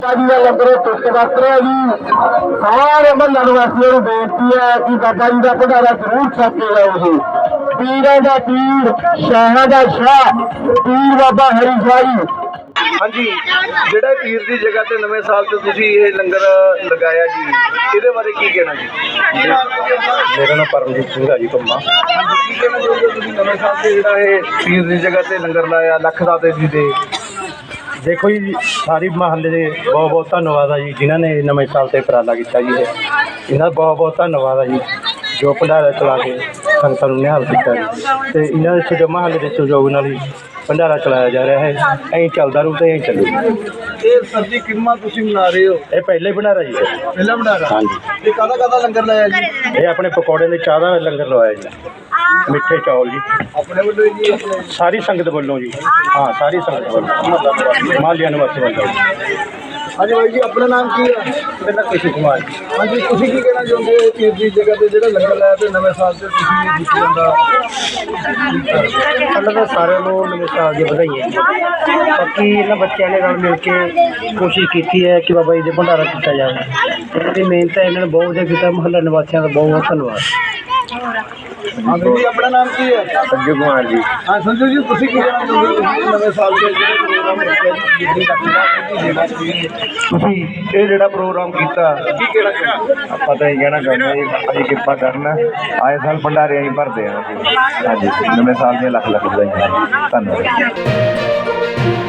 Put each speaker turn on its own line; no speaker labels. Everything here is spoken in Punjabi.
ਜੀ ਦਾ ਲੰਗਰ ਟੁੱਟ ਵਰਤ ਰਿਹਾ ਜੀ। ਸਾਰੇ ਮਹੱਲਾ ਨਿਵਾਸੀਆਂ ਨੂੰ ਬੇਨਤੀ ਹੈ ਕਿ ਬਾਬਾ ਜੀ ਦਾ ਭੰਡਾਰਾ ਜ਼ਰੂਰ ਛਕ ਕੇ ਜਾਓ ਜੀ। ਪੀਰਾਂ ਦਾ ਪੀਰ, ਸ਼ਾਹਾਂ ਦਾ ਸ਼ਾਹ, ਪੀਰ ਬਾਬਾ ਹਰੀ ਸ਼ਾਹ ਜੀ।
ਹਾਂਜੀ, ਜਿਹੜਾ ਪੀਰ ਦੀ ਜਗ੍ਹਾ ਤੇ ਨਵੇਂ ਸਾਲ ਤੇ ਤੁਸੀਂ ਇਹ ਲੰਗਰ ਲਗਾਇਆ ਜੀ, ਇਹਦੇ ਬਾਰੇ ਕੀ ਕਹਿਣਾ ਜੀ?
ਮੇਰਾ ਨਾਮ ਪਰਮਜੀਤ ਸਿੰਘ ਹੈ ਜੀ ਕੰਮਾ।
ਕੀ ਕਹਿਣਾ ਚਾਹੁੰਦੇ ਹੋ ਤੁਸੀਂ ਨਵੇਂ ਸਾਲ ਤੇ ਜਿਹੜਾ ਇਹ ਪੀਰ ਦੀ ਜਗ੍ਹਾ ਤੇ ਲੰਗਰ ਲਾਇਆ ਲੱਖ ਦਾਤੇ ਜੀ ਦੇ?
ਦੇਖੋ ਜੀ, ਸਾਰੀ ਮਹੱਲੇ ਦੇ ਬਹੁਤ ਬਹੁਤ ਧੰਨਵਾਦ ਆ ਜੀ ਜਿਨ੍ਹਾਂ ਨੇ ਨਵੇਂ ਸਾਲ ਤੇ ਉਪਰਾਲਾ ਕੀਤਾ ਜੀ। ਇਹਨਾਂ ਦਾ ਬਹੁਤ ਬਹੁਤ ਧੰਨਵਾਦ ਆ ਜੀ ਜੋ ਭੰਡਾਰਾ ਚਲਾ ਕੇ ਸੰਗਤਾਂ ਨੂੰ ਨਿਹਾਲ ਕੀਤਾ ਜੀ। ਅਤੇ ਇਹਨਾਂ ਦੇ ਜੋ ਮਹੱਲੇ ਦੇ ਸਹਿਯੋਗ ਨਾਲ ਹੀ ਭੰਡਾਰਾ ਚਲਾਇਆ ਜਾ ਰਿਹਾ ਹੈ। ਐਂ ਚੱਲਦਾ ਰਹੂ ਅਤੇ ਐਂ ਚੱਲੂ।
ਇਹ ਸਰਦੀ ਕਿੰਨਾ ਤੁਸੀਂ ਮਨਾ ਰਹੇ ਹੋ?
ਇਹ ਪਹਿਲਾ ਹੀ ਭੰਡਾਰਾ ਜੀ।
ਪਹਿਲਾ ਭੰਡਾਰਾ?
ਹਾਂਜੀ।
ਇਹ ਕਾਹਦਾ ਲੰਗਰ ਲਾਇਆ ਜੀ?
ਇਹ ਆਪਣੇ ਪਕੌੜੇ ਦੇ ਚਾਹ ਦਾ ਲੰਗਰ ਲਵਾਇਆ ਜੀ, ਮਿੱਠੇ ਚੌਲ ਜੀ,
ਆਪਣੇ ਵੱਲੋਂ ਜੀ? ਆਪਣੇ
ਸਾਰੀ ਸੰਗਤ ਵੱਲੋਂ ਜੀ। ਹਾਂ, ਸਾਰੀ ਸੰਗਤ ਵੱਲੋਂ, ਮਾਲੀਆਂ ਨਿਵਾਸੀ ਵੱਲੋਂ।
ਹਾਂਜੀ ਬਾਈ ਜੀ, ਆਪਣਾ ਨਾਮ ਕੀ ਹੈ?
ਮੇਰਾ ਨਾਮ ਕ੍ਰਿਸ਼ਨ ਕੁਮਾਰ ਜੀ।
ਹਾਂਜੀ, ਤੁਸੀਂ ਕੀ ਕਹਿਣਾ ਚਾਹੁੰਦੇ ਹੋ ਪੀਰ ਦੀ ਜਗ੍ਹਾ ਤੇ ਜਿਹੜਾ ਲੰਗਰ ਲਾਇਆ ਤੇ ਨਵੇਂ ਸਾਲ ਤੇ ਤੁਸੀਂ ਇਹ ਦਿੱਤੀ ਜਾਂਦਾ?
ਪਹਿਲਾਂ ਤਾਂ ਸਾਰਿਆਂ ਨੂੰ ਨਵੇਂ ਸਾਲ ਦੀਆਂ ਵਧਾਈਆਂ ਜੀ। ਬਾਕੀ ਇਹਨਾਂ ਬੱਚਿਆਂ ਨੇ ਨਾਲ ਮਿਲ ਕੇ ਕੋਸ਼ਿਸ਼ ਕੀਤੀ ਹੈ ਕਿ ਬਾਬਾ ਜੀ ਦੇ ਭੰਡਾਰਾ ਕੀਤਾ ਜਾਵੇ। ਇਹਨਾਂ ਦੀ ਮਿਹਨਤ ਹੈ, ਇਹਨਾਂ ਨੇ ਬਹੁਤ ਵਧੀਆ ਕੀਤਾ। ਮੁਹੱਲਾ ਨਿਵਾਸੀਆਂ ਦਾ ਬਹੁਤ ਬਹੁਤ ਧੰਨਵਾਦ।
ਹਾਂ ਜੀ, ਆਪਣਾ ਨਾਮ ਕੀ ਹੈ?
ਸੰਜੂ ਕੁਮਾਰ ਜੀ।
ਹਾਂ ਸੰਜੂ ਜੀ, ਤੁਸੀਂ ਕੀ ਕਹਿਣਾ ਚਾਹੁੰਦੇ ਹੋ ਨਵੇਂ ਸਾਲ ਦੇ ਜਿਹੜੇ ਪ੍ਰੋਗਰਾਮ ਰੱਖਿਆ ਜੀ ਦਿੱਲੀ ਦਾ ਤੁਸੀਂ ਇਹ ਜਿਹੜਾ ਪ੍ਰੋਗਰਾਮ ਕੀਤਾ, ਕੀ ਕਹਿਣਾ ਚਾਹੁੰਦੇ ਹੋ?
ਆਪਾਂ ਤਾਂ ਇਹ ਕਹਿਣਾ ਚਾਹੁੰਦੇ ਹਾਂ ਜੀ, ਅਸੀਂ ਕਿਰਪਾ ਕਰਨਾ। ਆਏ ਸਾਲ ਭੰਡਾਰੇ ਅਸੀਂ ਭਰਦੇ ਹਾਂ ਜੀ। ਹਾਂਜੀ, ਨਵੇਂ ਸਾਲ ਦੀਆਂ ਲੱਖ ਲੱਖ ਵਧਾਈਆਂ। ਧੰਨਵਾਦ।